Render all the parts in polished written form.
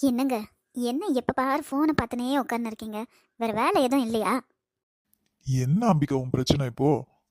என்னங்க? என்ன எப்ப பாரு ஃபோனை பார்த்துனே உட்கார்ந்து இருக்கீங்க? வேற வேலை எதுவும் இல்லையா? என்ன அம்பிகா உன் பிரச்சனை இப்போ?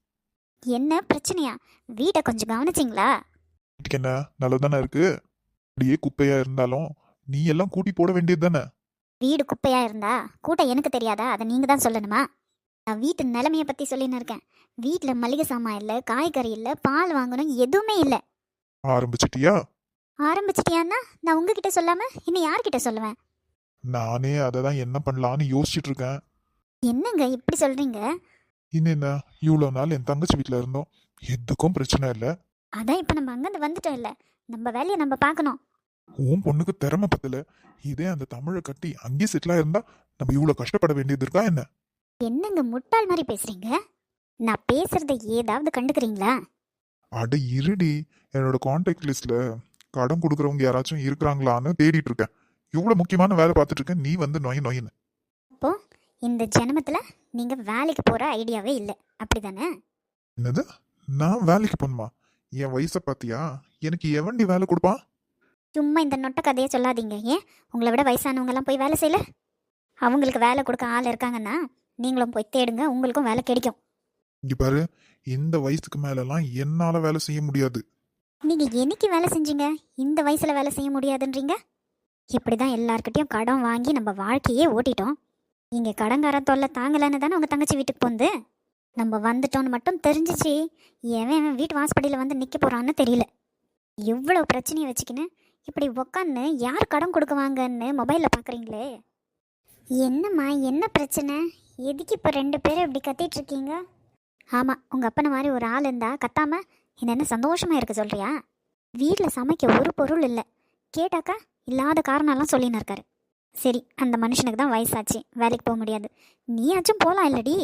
என்ன பிரச்சனையா? வீட்டை கொஞ்சம் கவனிச்சிங்களா? வீட்டுக்கு என்ன நல்லதானே இருக்கு? அப்படியே குப்பையா இருந்தாலும் நீ எல்லாம் கூட்டி போட வேண்டியது தானே? வீடு குப்பையா இருந்தா கூட்ட எனக்கு தெரியாதா? அதை நீங்க தான் சொல்லணுமா? நான் வீட்டு நிலைமையை பத்தி சொல்லின்னு இருக்கேன். வீட்டில் மளிகை சாமான் இல்லை, காய்கறி இல்லை, பால் வாங்கணும், எதுவுமே இல்லை. ஆரம்பிச்சிட்டியா? ஆரம்பிச்சிட்டியான்னா நான் உங்ககிட்ட சொல்லாம இன்னும் யார்கிட்ட சொல்லுவேன்? நானே அதை தான் என்ன பண்ணலான்னு யோசிச்சுட்டு இருக்கேன். என்னங்க இப்படி சொல்றீங்க? இன்னும் என்ன, இவ்வளோ நாள் என் தங்கச்சி வீட்டில் இருந்தோம், எதுக்கும் பிரச்சனை இல்லை. அதான் இப்ப நம்ம அங்கிருந்து வந்துட்டோம் இல்ல, நம்ம வேலையை நம்ம பார்க்கணும். உன் பொண்ணுக்கு திறமை பத்தல. இதே அந்த தமிழை கட்டி அங்கேயே செட்டில் ஆயிருந்தா நம்ம இவ்வளோ கஷ்டப்பட வேண்டியது இருக்கா என்ன? என்னங்க முட்டாள் மாதிரி பேசுறீங்க? நான் பேசுறதை ஏதாவது கண்டுக்கிறீங்களா? அட இருடி, என்னோட கான்டாக்ட் லிஸ்ட்ல கடன் கொடுக்குறவங்க யாராச்சும் இருக்கிறாங்களான்னு தேடிட்டு இருக்கேன். இவ்வளோ முக்கியமான வேலை பார்த்துட்டு இருக்கேன், நீ வந்து நொய் நொயின்னு. அப்போ இந்த ஜென்மத்துல நீங்க வேலைக்கு போற ஐடியாவே இல்லை, அப்படிதானே? என்னது? நான் வேலைக்கு போகணுமா? என் வயசை பார்த்தியா? எனக்கு எவன்டி வேலை கொடுப்பான்? சும்மா இந்த நொட்ட கதையை சொல்லாதீங்க. ஏன் உங்களை விட வயசானவங்க எல்லாம் போய் வேலை செய்யல? அவங்களுக்கு வேலை கொடுக்க ஆள் இருக்காங்கன்னா நீங்களும் போய் தேடுங்க, உங்களுக்கும் வேலை கிடைக்கும். இங்க பாரு, இந்த வயசுக்கு மேலலாம் என்னால வேலை செய்ய முடியாது. நீங்க என்னைக்கு வேலை செஞ்சீங்க இந்த வயசுல வேலை செய்ய முடியாதுன்றீங்க? இப்படிதான் எல்லார்கிட்டயும் கடன் வாங்கி நம்ம வாழ்க்கையே ஓட்டிட்டோம். இங்க கடன்கார தொல்லை தாங்கலன்னு தானே உங்க தங்கச்சி வீட்டுக்கு போந்து. நம்ம வந்துட்டோம்னு மட்டும் தெரிஞ்சிச்சு, எவன் வீட்டு வாசப்படியில் வந்து நிற்க போறான்னு தெரியல. எவ்வளோ பிரச்சனையை வச்சுக்கின்னு இப்படி உக்காந்து யார் கடன் கொடுக்குவாங்கன்னு மொபைலில் பார்க்குறீங்களே. என்னம்மா, என்ன பிரச்சனை? எதுக்கு இப்போ ரெண்டு பேரும் இப்படி கத்திட்டு இருக்கீங்க? ஆமாம், உங்கள் அப்பனை மாதிரி ஒரு ஆள் இருந்தா கத்தாம என்ன சந்தோஷமாக இருக்க சொல்கிறியா? வீட்டில் சமைக்க ஒரு பொருள் இல்லை, கேட்டாக்கா இல்லாத காரணம்லாம் சொல்லின்னு இருக்காரு. சரி, அந்த மனுஷனுக்கு தான் வயசாச்சு, வேலைக்கு போக முடியாது. நீயாச்சும் போகலாம் இல்லடி?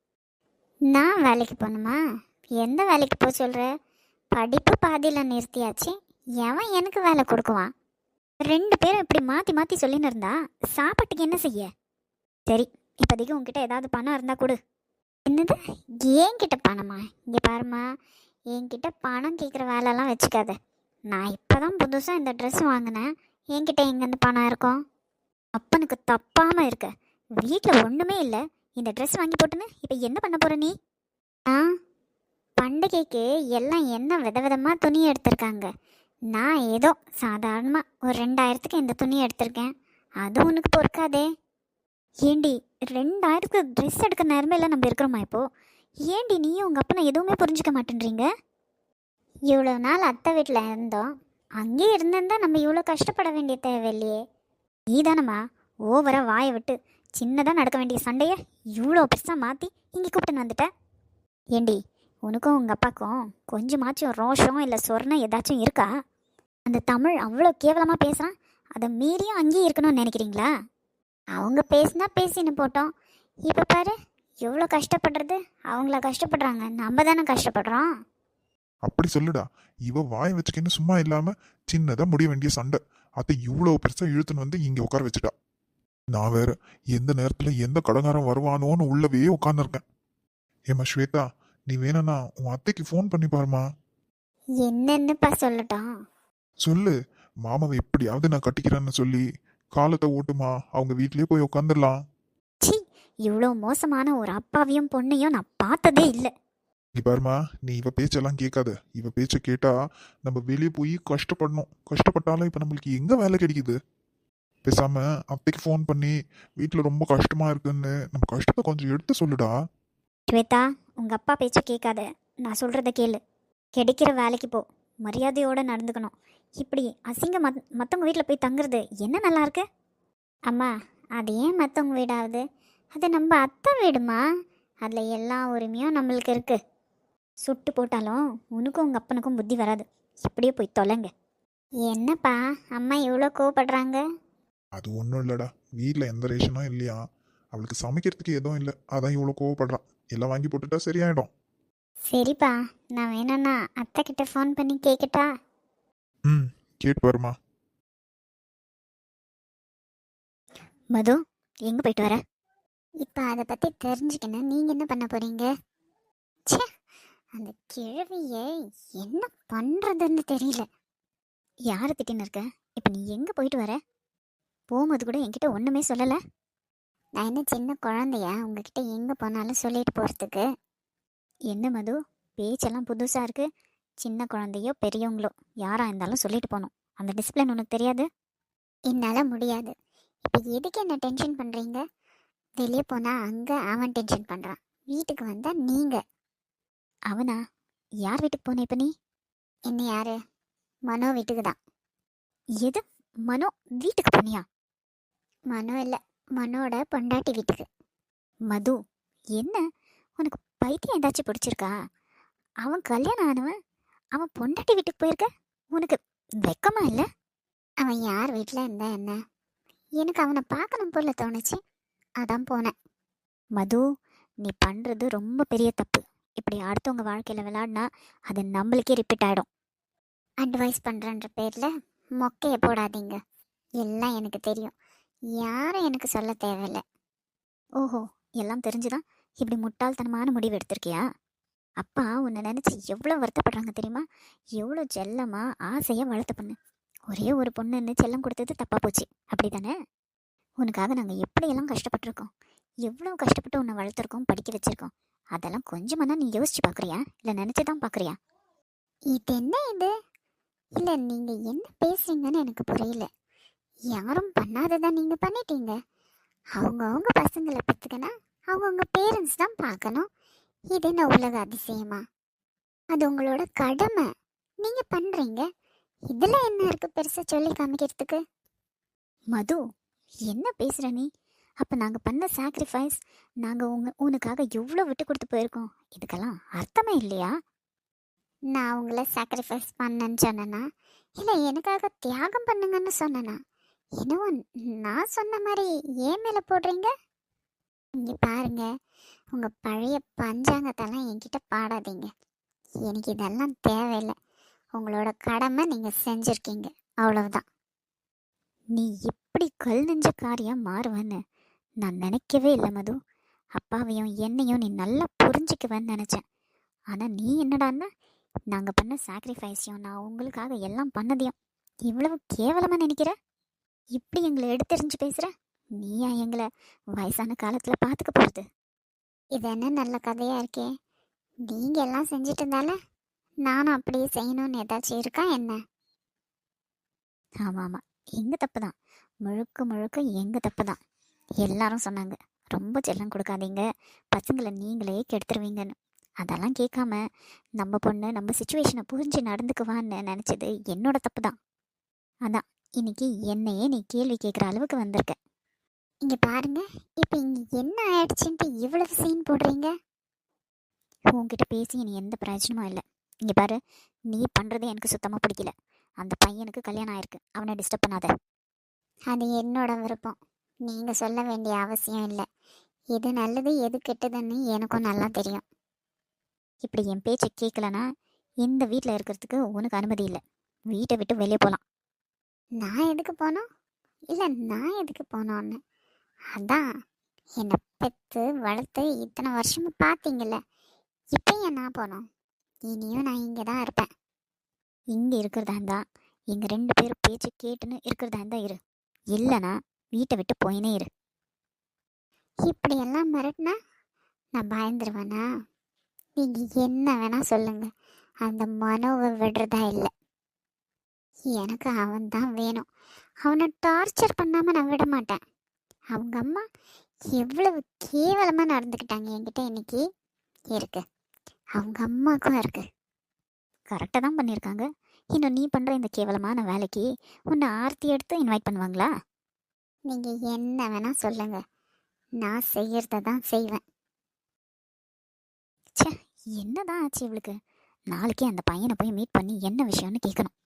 நான் வேலைக்கு போகணுமா? எந்த வேலைக்கு போக சொல்கிற? படிப்பு பாதியில் நிறுத்தியாச்சு, எவன் எனக்கு வேலை கொடுக்குவான்? ரெண்டு பேரும் இப்படி மாற்றி மாற்றி சொல்லின்னு இருந்தா சாப்பாட்டுக்கு என்ன செய்ய? சரி, இப்போதைக்கு உங்ககிட்ட ஏதாவது பணம் இருந்தால் கொடு. என்னது, என்கிட்ட பணமா? இங்கே பாருமா, என்கிட்ட பணம் கேட்குற வேலைலாம் வச்சுக்காத. நான் இப்போ தான் புதுசாக இந்த ட்ரெஸ் வாங்கினேன், என்கிட்ட எங்கேருந்து பணம் இருக்கும்? அப்பனுக்கு தப்பாமல் இருக்க, வீட்டில் ஒன்றுமே இல்லை, இந்த ட்ரெஸ் வாங்கி போட்டுன்னு இப்போ என்ன பண்ண போகிற நீ? ஆ, பண்டிகைக்கு எல்லாம் என்ன விதவிதமாக துணி எடுத்திருக்காங்க. நான் ஏதோ சாதாரணமாக ஒரு 2000க்கு இந்த துணி எடுத்திருக்கேன், அது உனக்கு பொறுக்காதே. ஏண்டி, 2000க்கு ட்ரெஸ் எடுக்க நேரமே நம்ம இருக்கிறோமா இப்போது? ஏண்டி நீயும் உங்கள் அப்பனை எதுவுமே புரிஞ்சுக்க மாட்டேன்றீங்க? இவ்வளோ நாள் அத்தை வீட்டில் இருந்தோம், அங்கேயே இருந்திருந்தா நம்ம இவ்வளோ கஷ்டப்பட வேண்டிய தேவையில்லையே. நீ தானம்மா ஓவராக வாயை விட்டு சின்னதாக நடக்க வேண்டிய சண்டையை இவ்வளோ பெருசாக மாற்றி இங்கே கூப்பிட்டுன்னு வந்துட்ட. ஏண்டி, உனக்கும் உங்கள் அப்பாவுக்கும் கொஞ்சமாச்சும் ரோஷம் இல்லை சொர்ணம் ஏதாச்சும் இருக்கா? அந்த தமிழ் அவ்வளோ கேவலமாக பேசுகிறான், அதை மீறியும் அங்கேயே இருக்கணும்னு நினைக்கிறீங்களா? அவங்க பேசினா பேசின்னு போட்டோம், இப்போ பாரு எவ்வளோ கஷ்டப்படுறது. அவங்கள கஷ்டப்படுறாங்க, நம்ம தானே கஷ்டப்படுறோம். அப்படி சொல்லுடா. இவ வாய் வச்சுக்கின்னு சும்மா இல்லாம சின்னதா முடிய வேண்டிய சண்டை அதை இவ்வளவு பெருசா இழுத்துன்னு வந்து இங்க உட்கார வச்சுட்டா. நான் வேற எந்த நேரத்துல எந்த கடங்காரம் வருவானோன்னு உள்ளவே உட்கார்ந்துருக்கேன். ஏமா ஸ்வேதா, நீ வேணும்னா உன் அத்தைக்கு ஃபோன் பண்ணி பாருமா. என்னன்னுப்பா சொல்லட்டும்? சொல்லு, மாமாவை எப்படியாவது நான் கட்டிக்கிறேன்னு சொல்லி காலத்தை ஓட்டுமா, அவங்க வீட்லயே போய் உட்காந்துடலாம். சி, இவ்வளோ மோசமான ஒரு அப்பாவையும் பொண்ணையும் நான் பார்த்ததே இல்லை. இங்க பாருமா, நீ இவ பேச்செல்லாம் கேட்காத. இவ பேச்ச கேட்டா நம்ம வெளியே போய் கஷ்டப்படணும். கஷ்டப்பட்டாலும் இப்ப நம்மளுக்கு எங்க வேலை கிடைக்குது? பேசாம அத்தைக்கு ஃபோன் பண்ணி வீட்டுல ரொம்ப கஷ்டமா இருக்குன்னு நம்ம கஷ்டத்தை கொஞ்சம் எடுத்து சொல்லுடா. ஸ்வேதா, உங்கள் அப்பா பேச்ச கேட்காத, நான் சொல்கிறத கேளு. கிடைக்கிற வேலைக்கு போ, மரியாதையோடு நடந்துக்கணும். இப்படி அசிங்க மற்றவங்க வீட்டில் போய் தங்குறது என்ன நல்லா இருக்கு? அம்மா, அது ஏன் மற்றவங்க வீடாகுது? அது நம்ம அத்தை வீடுமா, அதில் எல்லா உரிமையும் நம்மளுக்கு இருக்குது. சுட்டு போட்டாலும் உனக்கும் உங்கள் அப்பனுக்கும் புத்தி வராது. இப்படியே போய் தொலைங்க. என்னப்பா அம்மா இவ்வளோ கோவப்படுறாங்க? அது ஒன்றும் இல்லடா, வீட்டில் எந்த ரேஷனும் இல்லையா, அவளுக்கு சமைக்கிறதுக்கு எதுவும் இல்லை, அதான் இவ்வளோ கோவப்படுறான். எல்லாம் வாங்கி போட்டுட்டா சரியாயிடும். சரிப்பா, நான் வேணும்னா அத்தை கிட்ட ஃபோன் பண்ணி கேட்கட்டா? ம், கேட்டு பாருமா. மது, எங்கே போயிட்டு வர? இப்போ அதை பற்றி தெரிஞ்சுக்கணும், நீங்கள் என்ன பண்ண போகிறீங்க? ச்சே, அந்த கிழவியை என்ன பண்ணுறதுன்னு தெரியல. யாரை திட்டின்னு இருக்க? இப்போ நீ எங்கே போயிட்டு வர? போகும்போது கூட என்கிட்ட ஒன்றுமே சொல்லலை. நான் என்ன சின்ன குழந்தையா உங்ககிட்ட எங்கே போனாலும் சொல்லிட்டு போகிறதுக்கு? என்ன மது, பேச்செல்லாம் புதுசாக இருக்குது. சின்ன குழந்தையோ பெரியவங்களோ யாராக இருந்தாலும் சொல்லிட்டு போகணும். அந்த டிசிப்ளின் உனக்கு தெரியாது? என்னால் முடியாது. இப்போ எதுக்கு என்ன டென்ஷன் பண்ணுறீங்க? வெளியே போனால் அங்கே அவன் டென்ஷன் பண்ணுறான், வீட்டுக்கு வந்தால் நீங்கள். அவனா? யார் வீட்டுக்கு போன இப்போ நீ? என்ன யாரு? மனோ வீட்டுக்கு தான். எது? மனோ வீட்டுக்கு போனியா? மனோ இல்லை, மனோட பொண்டாட்டி வீட்டுக்கு. மது, என்ன உனக்கு பைத்தியம் ஏதாச்சும் பிடிச்சிருக்கா? அவன் கல்யாணம் ஆனவன், அவன் பொண்டாட்டி வீட்டுக்கு போயிருக்க. உனக்கு வெக்கமா இல்லை? அவன் யார் வீட்டில் இருந்தா என்ன? எனக்கு அவனை பார்க்கணும் போல தோணுச்சு, அதான் போனேன். மது, நீ பண்ணுறது ரொம்ப பெரிய தப்பு. இப்படி அடுத்தவங்க வாழ்க்கையில் விளையாடினா அது நம்மளுக்கே ரிப்பீட் ஆகிடும். அட்வைஸ் பண்ணுறன்ற பேரில் மொக்கையை போடாதீங்க. எல்லாம் எனக்கு தெரியும், யாரும் எனக்கு சொல்ல தேவையில்லை. ஓஹோ, எல்லாம் தெரிஞ்சுதான் இப்படி முட்டாள்தனமான முடிவு எடுத்திருக்கியா? அப்பா உன்னை நினச்சி எவ்வளோ வருத்தப்படுறாங்க தெரியுமா? எவ்வளோ செல்லமாக ஆசையாக வளர்த்த பொண்ணு. ஒரே ஒரு பொண்ணுன்னு செல்லம் கொடுத்தது தப்பாக போச்சு, அப்படி தானே? உனக்காக நாங்கள் எப்படியெல்லாம் கஷ்டப்பட்டிருக்கோம், எவ்வளோ கஷ்டப்பட்டு உன்னை வளர்த்துருக்கோம், படிக்க வச்சுருக்கோம். அதெல்லாம் கொஞ்சமாக நீ யோசிச்சு பார்க்குறியா, இல்லை நினச்சி தான் பார்க்குறியா? இது என்ன இது? இல்லை, நீங்கள் என்ன பேசுறீங்கன்னு எனக்கு புரியல. யாரும் பண்ணாததான் நீங்கள் பண்ணிட்டீங்க. அவங்கவுங்க பசங்களை பெற்றுக்கனா அவங்கவுங்க பேரண்ட்ஸ் தான் பார்க்கணும். இது என்ன உலக அதிசயமா? அது உங்களோட கடமை, நீங்கள் பண்ணுறீங்க. இதில் என்ன இருக்குது பெருசாக சொல்லி காமிக்கிறதுக்கு? மது, என்ன பேசுகிற நீ? அப்போ நாங்கள் பண்ண சாக்ரிஃபைஸ், நாங்கள் உனக்காக எவ்வளோ விட்டு கொடுத்து போயிருக்கோம், இதுக்கெல்லாம் அர்த்தமே இல்லையா? நான் உங்களை சாக்ரிஃபைஸ் பண்ணேன்னு சொன்னேன்னா, இல்லை எனக்காக தியாகம் பண்ணுங்கன்னு சொன்னேன்னா? என்னவோ நான் சொன்ன மாதிரி ஏன் மேலே போடுறீங்க? இங்கே பாருங்க, உங்கள் பழைய பஞ்சாங்கத்தெல்லாம் என்கிட்ட பாடாதீங்க. எனக்கு இதெல்லாம் தேவையில்லை. உங்களோட கடமை நீங்கள் செஞ்சுருக்கீங்க, அவ்வளவுதான். நீ இப்படி கல் நெஞ்ச காரியம் மாறுவேன்னு நான் நினைக்கவே இல்லை மது. அப்பாவையும் என்னையும் நீ நல்லா புரிஞ்சுக்குவேன்னு நினச்சேன். ஆனால் நீ என்னடான்னா, நாங்கள் பண்ண சாக்ரிஃபைஸையும் நான் உங்களுக்காக எல்லாம் பண்ணதையும் இவ்வளவு கேவலமாக நினைக்கிற? இப்படி எங்களை எடுத்தெறிஞ்சு பேசுகிற? நீயா எங்களை வயசான காலத்தில் பார்த்துக்க போகிறது? இது என்ன நல்ல கதையாக இருக்கே. நீங்கள் எல்லாம் செஞ்சுட்டு இருந்தால நானும் அப்படியே செய்யணும்னு ஏதாச்சும் இருக்கா என்ன? ஆமாம் ஆமாம், எங்கள் தப்பு தான், முழுக்க முழுக்க எங்கள் தப்பு தான். எல்லாரும் சொன்னாங்க ரொம்ப செல்லம் கொடுக்காதீங்க, பசங்களை நீங்களே கெடுத்துருவீங்கன்னு. அதெல்லாம் கேட்காம நம்ம பொண்ணு நம்ம சுச்சுவேஷனை புரிஞ்சு நடந்துக்குவான்னு நினச்சது என்னோட தப்பு தான். அதான் இன்னைக்கு என்னையே நீ கேள்வி கேட்குற அளவுக்கு வந்திருக்க. இங்கே பாருங்க, இப்போ இங்கே என்ன ஆயிடுச்சுன்ட்டு இவ்வளவு சீன் போடுறீங்க? உன்கிட்ட பேசி நீ எந்த பிரயோஜனமும் இல்லை. இங்கே பாரு, நீ பண்ணுறது எனக்கு சுத்தமாக பிடிக்கல. அந்த பையனுக்கு கல்யாணம் ஆயிருக்கு, அவனை டிஸ்டர்ப் பண்ணாத. அது என்னோட விருப்பம், நீங்கள் சொல்ல வேண்டிய அவசியம் இல்லை. எது நல்லது எது கெட்டதுன்னு எனக்கும் நல்லா தெரியும். இப்படி என் பேச்சை கேட்கலன்னா இந்த வீட்டில் இருக்கிறதுக்கு உனக்கு அனுமதி இல்லை. வீட்டை விட்டு வெளியே போகலாம். நான் எதுக்கு போனோம்? இல்லை, நான் எதுக்கு போனோன்னு அதான் என்னை பெற்று வளர்த்து இத்தனை வருஷமும் பார்த்தீங்கல்ல, இப்போ ஏன் நான் போனோம்? இனியும் நான் இங்கே தான் இருப்பேன். இங்கே இருக்கிறதா இருந்தா எங்கள் 2 பேரும் பேச்சு கேட்டுன்னு இருக்கிறதா இருந்தா இரு, இல்லைனா வீட்டை விட்டு போயினே இரு. இப்படியெல்லாம் மிரட்டினா நான் பயந்துருவேனா? நீங்கள் என்ன வேணா சொல்லுங்க, அந்த மனோவை விடுறதா இல்லை. எனக்கு அவன் தான் வேணும். அவனை டார்ச்சர் பண்ணாமல் நான் விட மாட்டேன். அவங்க அம்மா எவ்வளவு கேவலமாக நடந்துக்கிட்டாங்க என்கிட்ட இன்னைக்கு இருக்கு, அவங்க அம்மாவுக்கும் இருக்கு. கரெக்டாக தான் பண்ணியிருக்காங்க. இன்னும் நீ பண்ணுற இந்த கேவலமான வேலைக்கு உன்னை ஆர்த்தி எடுத்து இன்வைட் பண்ணுவாங்களா? நீங்கள் என்ன வேணால் சொல்லுங்க, நான் செய்யறத தான் செய்வேன். சே, என்னதான் ஆச்சு இவளுக்கு? நாளைக்கே அந்த பையனை போய் மீட் பண்ணி என்ன விஷயம்னு கேட்கணும்.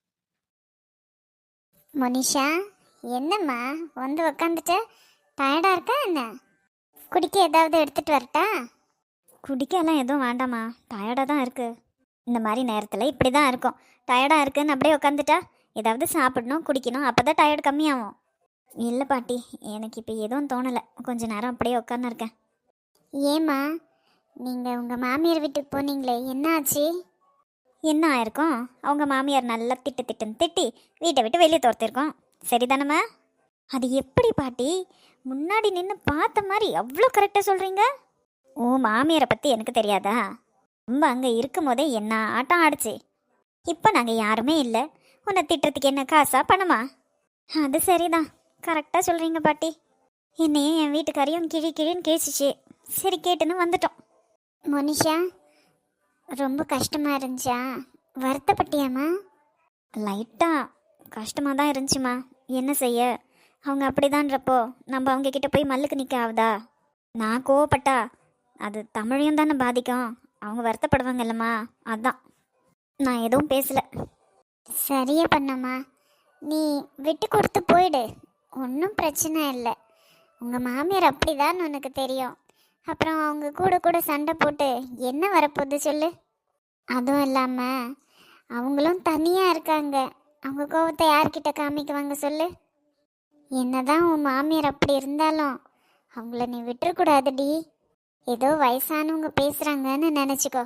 மோனிஷா, என்னம்மா வந்து உக்காந்துட்டு டயர்டாக இருக்கா என்ன? குடிக்க ஏதாவது எடுத்துகிட்டு வரட்டா? குடிக்கலாம் எதுவும் வேண்டாம்மா, டயர்டாக தான் இருக்குது. இந்த மாதிரி நேரத்தில் இப்படி தான் இருக்கும். டயர்டாக இருக்குன்னு அப்படியே உட்காந்துட்டா ஏதாவது சாப்பிடணும் குடிக்கணும், அப்போ தான் டயர்டு கம்மியாகும். இல்லை பாட்டி, எனக்கு இப்போ எதுவும் தோணலை, கொஞ்ச நேரம் அப்படியே உட்காந்துருக்கேன். ஏம்மா, நீங்கள் உங்கள் மாமியார் வீட்டுக்கு போனீங்களே, என்ன ஆச்சு? என்ன ஆயிருக்கும்? அவங்க மாமியார் நல்லா திட்டுன்னு திட்டி வீட்டை விட்டு வெளியே துரத்திருக்கோம். சரிதானம்மா? அது எப்படி பாட்டி? முன்னாடி நின்று பார்த்த மாதிரி அவ்வளோ கரெக்டாக சொல்கிறீங்க. ஓ மாமியாரை பற்றி எனக்கு தெரியாதா? ரொம்ப அங்கே இருக்கும் போதே என்ன ஆட்டம் ஆடுச்சு. இப்போ நாங்கள் யாருமே இல்லை, உன்னை திட்டுறதுக்கு என்ன காசா பணமா? அது சரிதான், கரெக்டாக சொல்கிறீங்க பாட்டி. என்னையே என் வீட்டுக்காரையும் கிழின்னு கேச்சிச்சு. சரி கேட்டுன்னு வந்துட்டோம். மோனிஷா, ரொம்ப கஷ்டமாக இருந்துச்சா? வருத்தப்பட்டியாம்மா? லைட்டாக கஷ்டமாக தான் இருந்துச்சுமா. என்ன செய்ய, அவங்க அப்படிதான்றப்போ நம்ம அவங்க கிட்ட போய் மல்லுக்கு நிற்க ஆகுதா? நான் கோவப்பட்டா அது தமிழையும் தானே பாதிக்கும். அவங்க வருத்தப்படுவாங்க இல்லைம்மா, அதான் நான் எதுவும் பேசலை. சரியா பண்ணம்மா, நீ விட்டு கொடுத்து போயிடு, ஒன்றும் பிரச்சனை இல்லை. உங்கள் மாமியார் அப்படிதான் உனக்கு தெரியும். அப்புறம் அவங்க கூட கூட சண்டை போட்டு என்ன வரப்போகுது சொல்லு? அதுவும் இல்லாமல் அவங்களும் தனியாக இருக்காங்க. அவங்க கோவத்தை யார்கிட்ட காமிக்குவாங்க சொல்லு? என்னதான் உன் மாமியார் அப்படி இருந்தாலும் அவங்கள நீ விட்டுறக்கூடாதுடி. ஏதோ வயசானவங்க பேசுகிறாங்கன்னு நினச்சிக்கோ.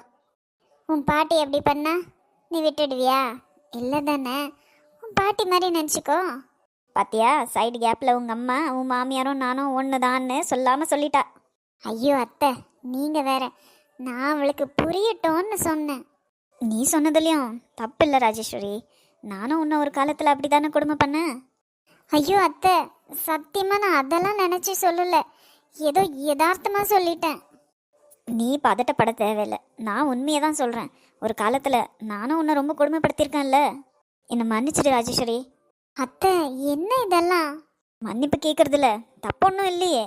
உன் பாட்டி எப்படி பண்ணா நீ விட்டுடுவியா? இல்லை தானே, உன் பாட்டி மாதிரி நினச்சிக்கோ. பாத்தியா, சைடு கேப்பில் உங்கள் அம்மா உன் மாமியாரும் நானும் ஒன்று தான்னு சொல்லாமல் சொல்லிட்டா. ஐயோ அத்தை, நீங்கள் வேற. நான் அவளுக்கு புரியட்டோன்னு சொன்னேன். நீ சொன்னதுலேயும் தப்பு இல்லை ராஜேஸ்வரி. நானும் இன்னும் ஒரு காலத்தில் அப்படி தானே கொடுமை பண்ணேன். ஐயோ அத்தை, சத்தியமாக நான் அதெல்லாம் நினச்சி சொல்லலை, ஏதோ யதார்த்தமாக சொல்லிட்டேன். நீ பதட்டப்பட தேவையில்லை, நான் உண்மையை தான் சொல்கிறேன். ஒரு காலத்தில் நானும் உன்னை ரொம்ப கொடுமைப்படுத்தியிருக்கேன்ல. என்னை மன்னிச்சிடு ராஜேஸ்வரி. அத்தை, என்ன இதெல்லாம்? மன்னிப்பு கேட்குறதுல தப்பு ஒன்றும் இல்லையே.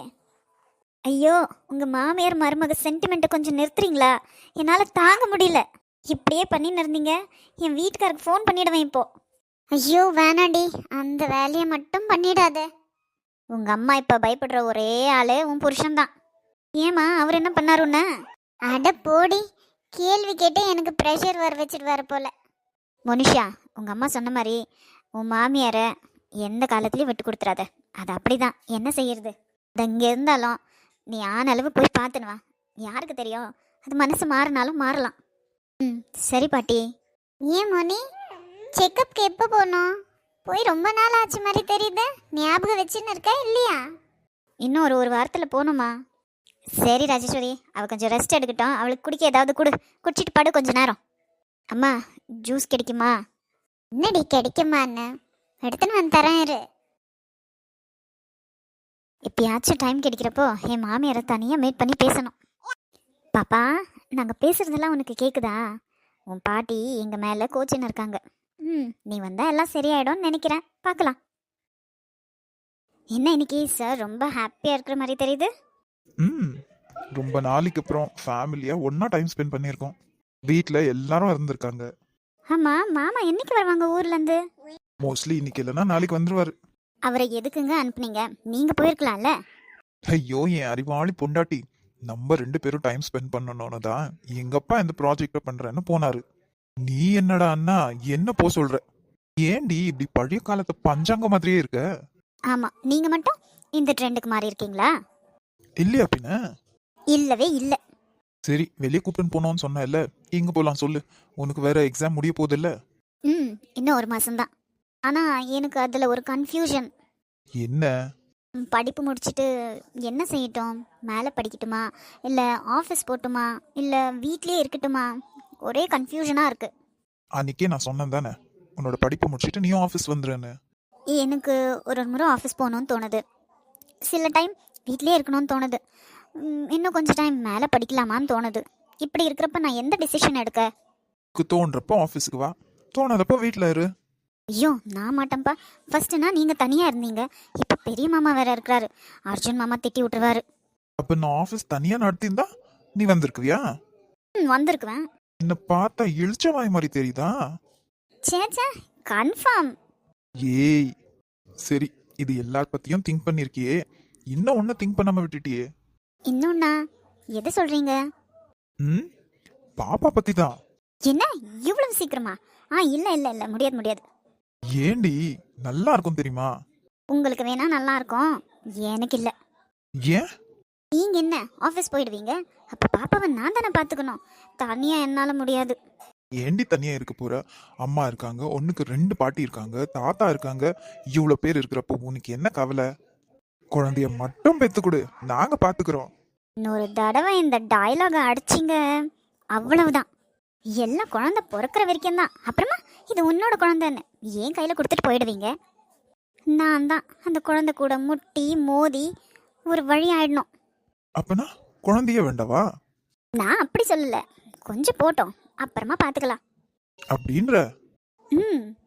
ஐயோ, உங்கள் மாமியார் மருமக சென்டிமெண்ட்டை கொஞ்சம் நிறுத்துறீங்களா? என்னால் தாங்க முடியல. இப்படியே பண்ணின்னு இருந்தீங்க, என் வீட்டுக்காருக்கு ஃபோன் பண்ணிவிடுவேன் இப்போ. ஐயோ வேணாண்டி, அந்த வேலையை மட்டும் பண்ணிடாத. உங்கள் அம்மா இப்போ பயப்படுற ஒரே ஆள் உன் புருஷன்தான். ஏம்மா, அவர் என்ன பண்ணார் உன்ன? அட போடி, கேள்வி கேட்டு எனக்கு ப்ரெஷர் வர வச்சுட்டு போல. மனுஷா, உங்கள் அம்மா சொன்ன மாதிரி உன் மாமியாரை எந்த காலத்துலேயும் விட்டு கொடுத்துறாத. அது அப்படிதான், என்ன செய்யறது? அது இங்கே இருந்தாலும் நீ ஆன அளவு போய் பார்த்துனுவா. யாருக்கு தெரியும், அது மனசு மாறினாலும் மாறலாம். ம் சரி பாட்டி. ஏன் மோனி, செக்கப்க்கு எப்போ போகணும்? போய் ரொம்ப நாள் ஆச்சு மாதிரி தெரியுது. ஞாபகம் வச்சுன்னு இருக்கா இல்லையா? இன்னும் ஒரு வாரத்தில் போகணுமா? சரி ராஜேஸ்வரி, அவள் கொஞ்சம் ரெஸ்ட் எடுக்கட்டும். அவளுக்கு குடிக்க ஏதாவது குடிச்சிட்டு பாடு கொஞ்ச நேரம். அம்மா, ஜூஸ் கிடைக்குமா? என்னடி கிடைக்குமான்னு எடுத்துன்னு வந்து தரேன் இரு. எப்பயாச்சும் டைம் கிடைக்கிறப்போ என் மாமியாரை தனியாக மீட் பண்ணி பேசணும். பாப்பா, நாங்கள் பேசுகிறதெல்லாம் உனக்கு கேட்குதா? உன் பாட்டி எங்கள் மேலே கோச்சின்னு இருக்காங்க. நீ வந்தால் எல்லாம் சரியாயிடும்னு நினைக்கிறேன், பார்க்கலாம். என்ன இன்னைக்கு சார் ரொம்ப ஹாப்பியாக இருக்கிற மாதிரி தெரியுது? ரொம்ப நாளைக்கு அப்புறம் ஃபேமிலியாக ஒன்றா டைம் ஸ்பெண்ட் பண்ணியிருக்கோம். வீட்டில் எல்லாரும் இருந்திருக்காங்க. ஆமாம், மாமா என்னைக்கு வருவாங்க ஊர்லேருந்து? மோஸ்ட்லி இன்னைக்கு இல்லைன்னா நாளைக்கு வந்துருவாரு. அவரை எதுக்குங்க அனுப்புனீங்க? நீங்கள் போயிருக்கலாம்ல. ஐயோ, என் அறிவாளி பொண்டாட்டி, நம்ம 2 பேரும் டைம் ஸ்பெண்ட் பண்ணணும்னு தான் எங்கப்பா இந்த ப்ராஜெக்டை பண்றேன்னு போனாரு. நீ என்னடா அண்ணா என்ன போ சொல்ற? ஏண்டி இப்படி பழைய காலத்து பஞ்சாங்க மாதிரியே இருக்க? ஆமாம், நீங்கள் மட்டும் இந்த ட்ரெண்டுக்கு மாறி இருக்கீங்களா? இல்லையா பின்ன? இல்லவே இல்லை. சரி, வெளியே கூப்பிட்டு போனோம்னு சொன்ன இல்ல, எங்க போலாம் சொல்லு? உனக்கு வேற எக்ஸாம் முடிய போகுது இல்ல? இன்னும் ஒரு மாசம்தான். ஆனால் எனக்கு அதில் ஒரு கன்ஃபியூஷன். என்ன? படிப்பு முடிச்சுட்டு என்ன செய்யட்டும்? மேலே படிக்கட்டுமா, இல்லை ஆஃபீஸ் போட்டுமா, இல்லை வீட்லேயே இருக்கட்டுமா? ஒரே கன்ஃபியூஷனாக இருக்குது. அன்னைக்கே நான் சொன்னேன் தானே, உன்னோட படிப்பு முடிச்சுட்டு நீயும் ஆஃபீஸ் வந்துருன்னு. எனக்கு ஒரு முறை ஆஃபீஸ் போகணுன்னு தோணுது, சில டைம் வீட்லேயே இருக்கணும்னு தோணுது, இன்னும் கொஞ்சம் டைம் மேலே படிக்கலாமான்னு தோணுது. இப்படி இருக்கிறப்ப நான் எந்த டிசிஷன் எடுக்க? தோன்றப்போ ஆஃபீஸுக்கு வா, தோணாதப்போ வீட்டில் இரு. ஐயோ, நான் மாட்டேன்ப்பா. ஃபர்ஸ்ட்னா நீங்கள் தனியாக இருந்தீங்க, இப்போ பெரிய மாமா வேற இருக்கிறாரு. அர்ஜுன் மாமா திட்டி விட்டுருவாரு. அப்போ நான் ஆஃபீஸ் தனியாக நடத்தியிருந்தா நீ வந்திருக்குவியா? வந்திருக்குவேன். என்ன பார்த்தா இழிச்சவாய் மாதிரி தெரியுதா? சேச்சா, கன்ஃபார்ம். ஏய் சரி, இது எல்லார் பத்தியும் திங்க் பண்ணிருக்கியே, இன்னும் ஒன்னும் திங்க் பண்ணாம விட்டுட்டியே. இன்னொன்னா? எதை சொல்றீங்க? பாப்பா பத்தி தான். என்ன இவ்வளவு சீக்கிரமா? இல்ல இல்ல இல்ல, முடியாது. ஏண்டி, நல்லா இருக்கும் தெரியுமா? உங்களுக்கு வேணா நல்லா இருக்கும், எனக்கு இல்ல. ஏன்? நீங்க என்ன ஆஃபீஸ் போயிடுவீங்க, அப்ப பாப்பாவை நான் தானே பாத்துக்கணும். தனியா என்னால முடியாது. ஏண்டி தனியா இருக்க போற? அம்மா இருக்காங்க, ஒண்ணுக்கு 2 பாட்டி இருக்காங்க, தாத்தா இருக்காங்க. இவ்வளவு பேர் இருக்கிறப்போ உனக்கு என்ன கவலை? குழந்தைய மட்டும் பெத்து கொடு, நாங்க பாத்துக்கிறோம். இன்னொரு தடவை இந்த டயலாக அடிச்சிங்க அவ்வளவுதான். எல்லாம் குழந்தை பிறக்கிற வரைக்கும் தான். அப்புறமா இது உன்னோட குழந்தைன்னு என் கையில் கொடுத்துட்டு போயிடுவீங்க. நான் தான் அந்த குழந்தை கூட முட்டி மோதி ஒரு வழி ஆயிடணும். அப்பனா குழந்தைய வேண்டவா நான் அப்படி சொல்லல, கொஞ்சம் போட்டோம், அப்புறமா பார்த்துக்கலாம். அப்படின்ற? ம்